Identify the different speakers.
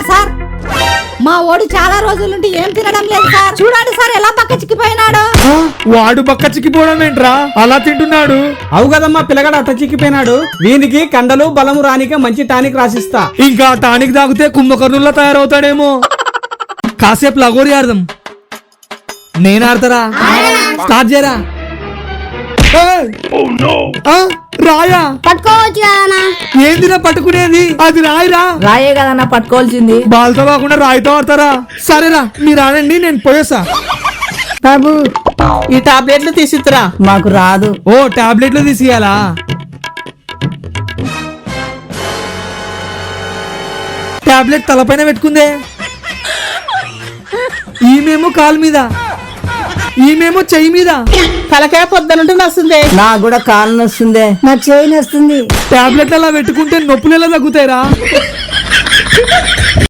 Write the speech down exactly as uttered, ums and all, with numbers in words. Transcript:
Speaker 1: Sir మా ఓడు చాలా రోజుల నుండి ఏం తినడం లేదు సార్. చూడండి సార్ ఎలా పక్క చిక్కిపోయినాడు.
Speaker 2: వాడు పక్క చిక్కిపోవడం ఏంట్రా అలా తింటున్నాడు?
Speaker 3: అవు కదమ్మా పిల్లగాడు అట్ట చిక్కిపోయినాడు. వీనికి కండలు బలము రానికే మంచి టానిక్ రాసిస్తా.
Speaker 2: ఇంకా టానిక్ తాగితే కుంభకర్ణుల్లా తయారవుతాడేమో. కాసేపు లగోరి ఆడదాం. నేను ఆడతారా? స్టార్ట్ చేయరా. రాయా
Speaker 4: పట్టుకోవచ్చు కదన్నా.
Speaker 2: ఏందిరా పట్టుకునేది? అది రాయిరా.
Speaker 1: రాయే కదన్నా పట్టుకోవాల్సింది.
Speaker 2: బాల్తో కాకుండా రాయితో ఆడతారా? సరేరా మీరు ఆడండి, నేను పోయేసా.
Speaker 1: బాబు
Speaker 5: ఈ టాబ్లెట్లు తీసిరా.
Speaker 1: మాకు రాదు.
Speaker 2: ఓ టాబ్లెట్లు తీసియాలా? టాబ్లెట్ తలపైన పెట్టుకుందే. ఈమెమో కాలు మీద, ఈమెమో చెయ్యి మీద.
Speaker 5: తలకాయ పొద్దునుంటే వస్తుంది.
Speaker 1: నాకు కూడా కాలు నొస్తుంది. నాకు చేయి నొస్తుంది.
Speaker 2: టాబ్లెట్లు అలా పెట్టుకుంటే నొప్పులు ఎలా తగ్గుతాయిరా?